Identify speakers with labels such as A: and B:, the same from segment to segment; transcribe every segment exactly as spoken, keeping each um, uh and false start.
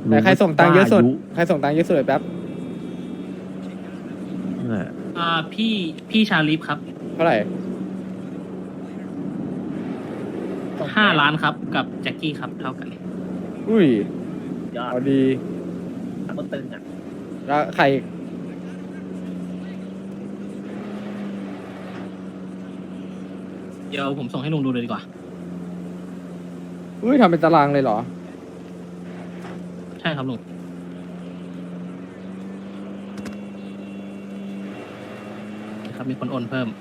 A: ไหนใครส่งตังค์เยอะสุดใครส่งตังค์เยอะสุดแป๊บ
B: นั่นแหละ
C: อ่าพี่พี่ชาลิฟครับ
A: เท่าไหร่
C: ห้าล้านครับกับแจ็คกี้ครับเท่ากัน
A: อุ้ย
B: ยอด
A: เอาดี
B: ก็ตึงอ่ะ
A: แล้วใคร
C: เดี๋ยวผมส่งให้ลุงดูเลยดีกว่า
A: อุ้ยทำเป็นตารางเลยเหรอ
C: ใช่ครับลุงครับมีคนโอนเพิ่ม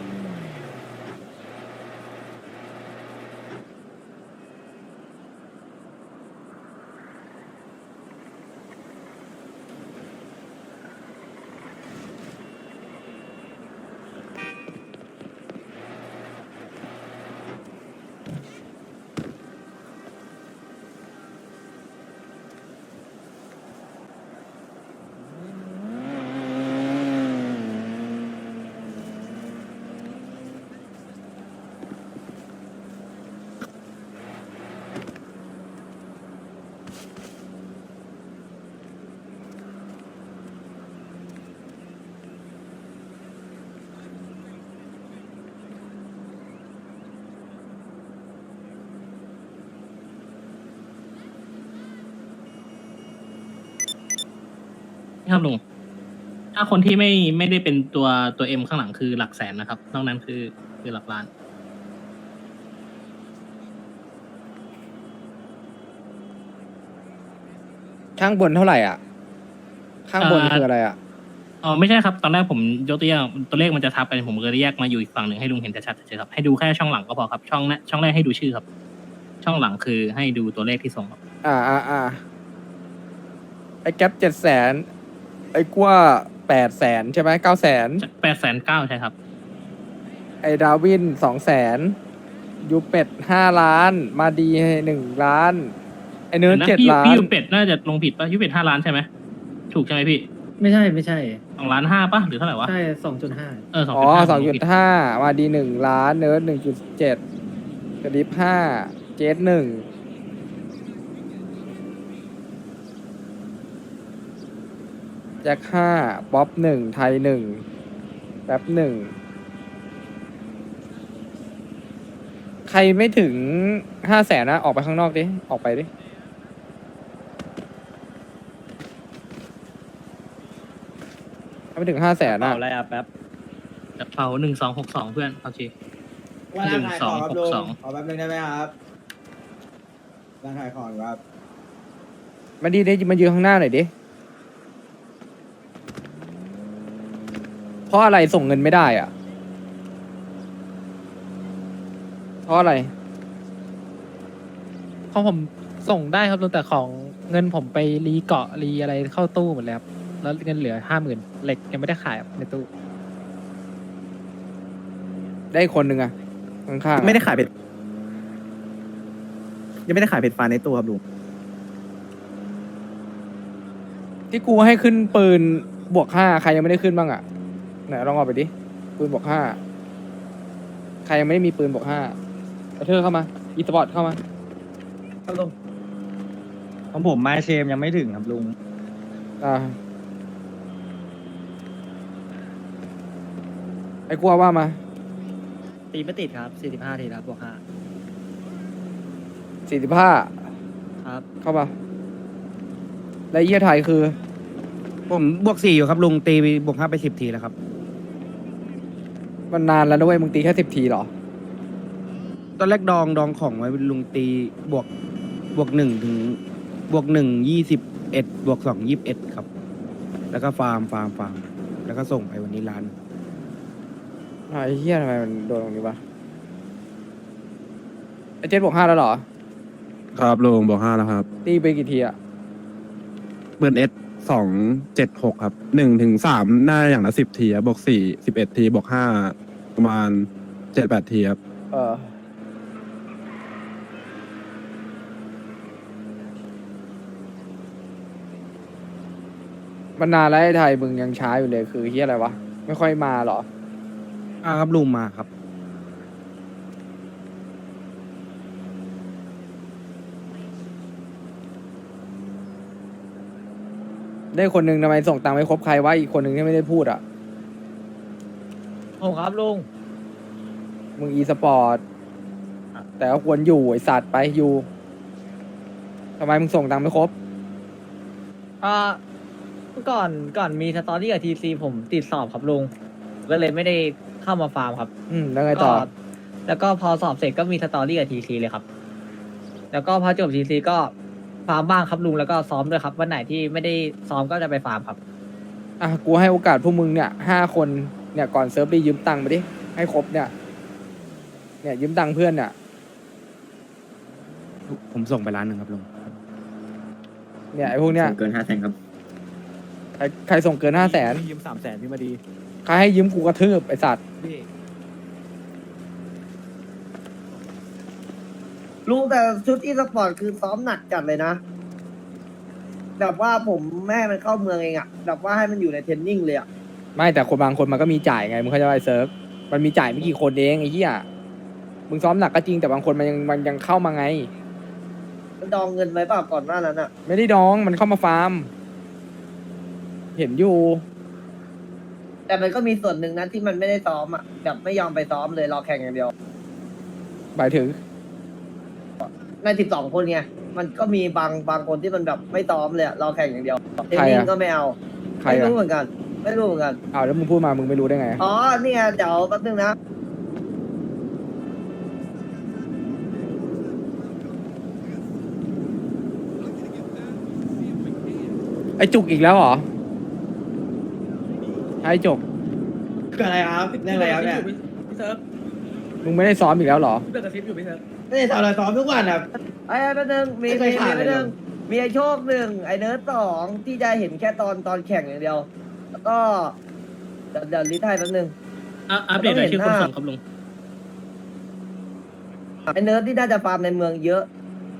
C: นี่ครับลุง ถ้าคนที่ไม่ไม่ได้เป็นตัวตัวเอ็มข้างหลังคือหลักแสนนะครับ นอกนั้นคือคือหลักล้าน
A: ข้างบนเท่าไหร่อ่ะ ข้างบน
C: อ่า
A: คืออะไรอ่ะ
C: อ๋อไม่ใช่ครับ ตอนแรกผมยกตัวอย่างตัวเลขมันจะทับกันผมก็เลยแยกมาอยู่อีกฝั่งหนึ่งให้ลุงเห็นชัดๆเฉยๆครับให้ดูแค่ช่องหลังก็พอครับ ช่องแรกช่องแรกให้ดูชื่อครับ ช่องหลังคือให้ดูตัวเลขที่ส่งครับ
A: อ่าอ่าอ่าไอ้แก๊ปเจ็ดแสนไอ้กว่าแปดแสนใช่ไหมเก้าแสน
C: แปดแสนเก้าใช่ครับ
A: ไอ้ดาวินสองแสนยูเป็ดห้าล้าน มาดีหนึ่งล้าน ไอ้เนื้อ
C: นะ
A: เจ็ด
C: พี่
A: ล้า
C: พี่
A: น
C: ยูเป็ดน่าจะลงผิดป่ะยูเป็ดห้าล้านใช่ไหมถูกใช่ไหมพี่
D: ไม่ใช่ไม่ใช่
C: สองล้านห้าป่ะหรือเท่าไหร่วะ
D: ใช่สองจุดห้า
C: เออสอง
A: อ๋
C: จุ
A: อ
C: ดห้า
A: สองจุดห้ามาดีหนึ่งล้าน เนื้อหนึ่งจุดเจ็ดกระดิบห้าเจสหนึ่งแจ็คห้าป๊อปหนึ่งไทยหนึ่งแป๊บหนึ่งใครไม่ถึงห้าแสนนะ ออกไปข้างนอกดิ ออกไปดิ ถ้าไม่ถึงห้าแสนนะ
B: เอาอะไรอ่ะแป๊บ
C: กระเป๋าหนึ่งสองหกสองเพื่อนโอเค
E: ว่าร้านขายของครับลุง
C: หนึ่งสองหกสอง
E: ขอแป๊บนึงได้ไหมครับร้านขายของครับ
A: มาดีดิมายืนข้างหน้าหน่อยดิ เพราะอะไรส่งเงินไม่ได้อ่ะ เพราะอะไร
F: ของผมส่งได้ครับลุงแต่ของเงินผมไปรีเกาะรีอะไรเข้าตู้หมดแล้วครับแล้วเงินเหลือห้าหมื่นเหล็กยังไม่ได้ขายครับในตู้
A: ได้คนหนึ่งอ่ะ ข้างๆอะ
G: ไม่ได้ขายเป็ดยังไม่ได้ขายเป็ดฟ้าในตู้ครับลุง
A: ที่กูให้ขึ้นปืนบวกห้าใครยังไม่ได้ขึ้นบ้างอ่ะไหนลองเอาไปดิ ปืนบวกห้าใครยังไม่ได้มีปืนบวกห้าเอาเธอเข้ามา อีสปอร์ตเข้ามา
G: ครับลุงของผมไม้เชมยังไม่ถึงครับลุง
A: อ่า ไอ้กลัวว่ามา
D: ตีไม่ติดครับสี่สิบห้าทีครับบวกห้า
A: สี่สิบห้า
D: ครับ
A: เข้ามา แล้วเยี่ยไทยคือ
G: ผมบวกสี่อยู่ครับลุงตีบวกห้าไปสิบทีแล้วครับ
A: มันนานแล้วนะเว้ยมึงตีแค่สิบทีเหรอ
G: ตอนแรกดองดองของไว้ลุงตีบวกบวกหนึ่งถึงบวกหนึ่งยี่สิบเอ็ดบวกสองยี่สิบเอ็ดครับ แล้วก็ฟาร์มฟาร์มฟาร์มแล้วก็ส่งไปวันนี้ร้าน
A: ไอ้เหี้ยทำไมมันโดนตรงนี้วะไอ้เจ็ดบวกห้าแล้วเหรอ
H: ครับลุงบอกห้าแล้วครับ
A: ตีไปกี่ทีอะ
H: เบิร์นเอสสองเจ็ดหกครับหนึ่งถึงสามหน้าอย่างละสิบทีครับบวกสี่สิบเอ็ดทีบวกห้าประมาณเจ็ดแปดทีครับ
A: เออ มันนานแล้วไอ้ไทยมึงยังช้าอยู่เลยคือเฮียอะไรวะ ไม่ค่อยมาเหรอ
G: อ่าครับลุงมาครับ
A: ได้คนหนึ่งทำไมส่งตังค์ไม่ครบใครวะอีกคนหนึ่งที่ไม่ได้พูดอ่ะ
D: ผมครับลุง
A: มึงอีสปอร์ตแต่ก็ควรอยู่ไอสัตว์ไปอยู่ทำไมมึงส่งตังค์ไม่ครบ
D: อ่าเมื่อก่อนก่อนมีสตอรี่กับทีซีผมติดสอบครับลุงก็เลยไม่ได้เข้ามาฟาร์มครับ
A: อืมแล้วไงต่อ
D: ก็แล้วก็พอสอบเสร็จก็มีสตอรี่กับทีซีเลยครับ แล้วก็พอจบทีซีก็ฟาร์มบ้างครับลุงแล้วก็ซ้อมด้วยครับวันไหนที่ไม่ได้ซ้อมก็จะไปฟาร์มครับ
A: อ่ะกูให้โอกาสพวกมึงเนี่ยห้าคนเนี่ยก่อนเซิร์ฟดียืมตังค์ไปดิให้ครบเนี่ยเนี่ยยืมตังค์เพื่อนเนี่ย
G: ผมส่งไปร้านหนึ่งครับลุง
A: เนี่ยไอ้พวกเนี้ย
B: เกินห้าแสนครับ
A: ใครใครส่งเกินห้าแสน
E: ยืมสามแสนพี่มาดี
A: ใครให้ยืมกูกระทืบไอสัตว์
I: ลุงแต่ชุดอีสปอร์ตคือซ้อมหนักจัดเลยนะ แบบว่าผมแม่ให้มันเข้าเมืองเองอะแบบว่าให้มันอยู่ในเทรนนิ่งเลยอะ
A: ไม่แต่คนบางคนมันก็มีจ่ายไงมึงเข้าใจไหมไอ้เซิร์ฟมันมีจ่ายไม่กี่คนเองไอ้เหี้ยมึงซ้อมหนักก็จริงแต่บางคนมันยังมันยังเข้ามาไง
I: มันดองเงินไว้เปล่าก่อนหน้านั้นอะ
A: ไม่ได้ดองมันเข้ามาฟาร์ม เห็นอยู่
I: แต่มันก็มีส่วนหนึ่งนะที่มันไม่ได้ซ้อมอะแบบไม่ยอมไปซ้อมเลยรอแข่งอย่างเดียว
A: หมายถึง
I: ในสิบสองคนไงมันก็มีบางบางคนที่มันแบบไม่ซ้อมเลยอะรอแข่งอย่างเดียวเทรน
A: ใคร
I: นิ่ง
A: อะ
I: ก็ไม่เอา
A: ใคร
I: ไม่
A: อ่ะ
I: รู้เหมือนกัน ไม่รู้เหมือนกัน
A: อ้าวแล้วมึงพูดมามึงไม่รู้ได้ไง
I: อ๋อนี่ไงเดี๋ยวแป๊บนึงนะ
A: ไอจุกอีกแล้วเหรอไอจุก
E: เกิดอะไรครับเรื่องอะไรครับเนี่ย
A: มึงไม่ได้ซ้อมอีกแล้วเหรอ
E: ไม่ได้ทำอะไรซ้อมทุกวันอ่ะ
I: ไอ้แป๊บนึงมี
E: ไม่
I: มี
E: เคยขาด
I: มี
E: เลย
I: แป๊บนึง
E: เหรอ
I: มีไอ้โชคหนึ่งไอ้เนิร์ดสองที่จะเห็นแค่ตอนตอนแข่งอย่างเดียว แล้วก็เดี๋ยวเดี๋ยวลิทไทยแป๊บนึง
C: อ่ะอัปเดตรายชื่อคนส่งครับลุง
I: ไอ้เนิร์ดที่น่าจะฟาร์มในเมืองเยอะ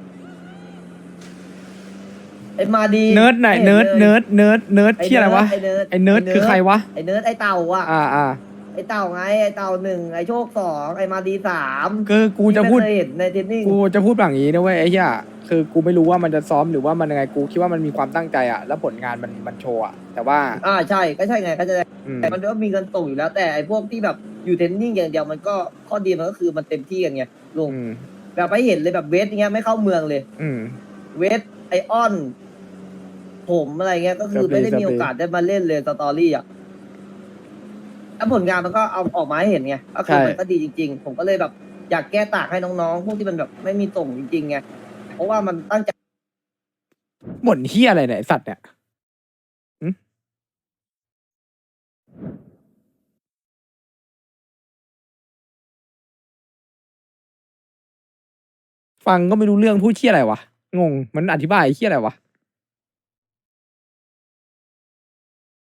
I: ไอ้มาดี
A: เนิร์ดไหนเนิร์ดเนิร์ดเนิร์ดเนิร์ดที่อะไรวะ
I: ไอ้เนิร์ด
A: ไอเนิร์ดคือใครวะ
I: ไอ้เนิร์ดไอ้เต่าอ่ะ
A: อ่าอ่า
I: ไอ้เต่าไงไอ้เต่าหนึ่งไอ้โชคสองไอ้มาดีสาม
A: คือกูจะพูด
I: ที่ไม่เคยเห็นในเทรนนิ่ง
A: กูจะพูดแบบนี้นะเว้ยไอ้เหี้ยคือกูไม่รู้ว่ามันจะซ้อมหรือว่ามันยังไงกูคิดว่ามันมีความตั้งใจอะแล้วผลงานมันมันโชว์อะแต่ว่า
I: อ่าใช่ก็ใช่ไงก็จะ
A: อืม
I: แต่มันก็มีเงินส่งอยู่แล้ว แต่ไอ้พวกที่แบบอยู่เทรนนิ่งอย่างเดียวมันก็ข้อดีมันก็คือมันเต็มที่กันไงลุง
A: อืม
I: แบบไปเห็นเลยแบบเวทอย่างเงี้ยไม่เข้าเมืองเลย
A: อืม
I: เวทไอออน ผมอะไรเงี้ยก็คือ
A: ครับ
I: ไม่ได้
A: ครับ
I: มีโอกาสได้มาเล่นเลยสตอรี่อ่ะแล้วผลงานมันก็เอาออกมาให้เห็นไงก็คือมันก็ดีจริง ๆ ผมก็เลยแบบอยากแก้ต่างให้น้องๆ พวกที่มันแบบไม่มีส่งจริงๆไงเพราะว่ามันตั้งใจ
A: หม่นเหี้ยอะไรเนี่ยไอ้สัตว์เนี่ยหึฟังก็ไม่รู้เรื่องพูดเหี้ยอะไรวะงงมันอธิบายเหี้ยอะไรวะ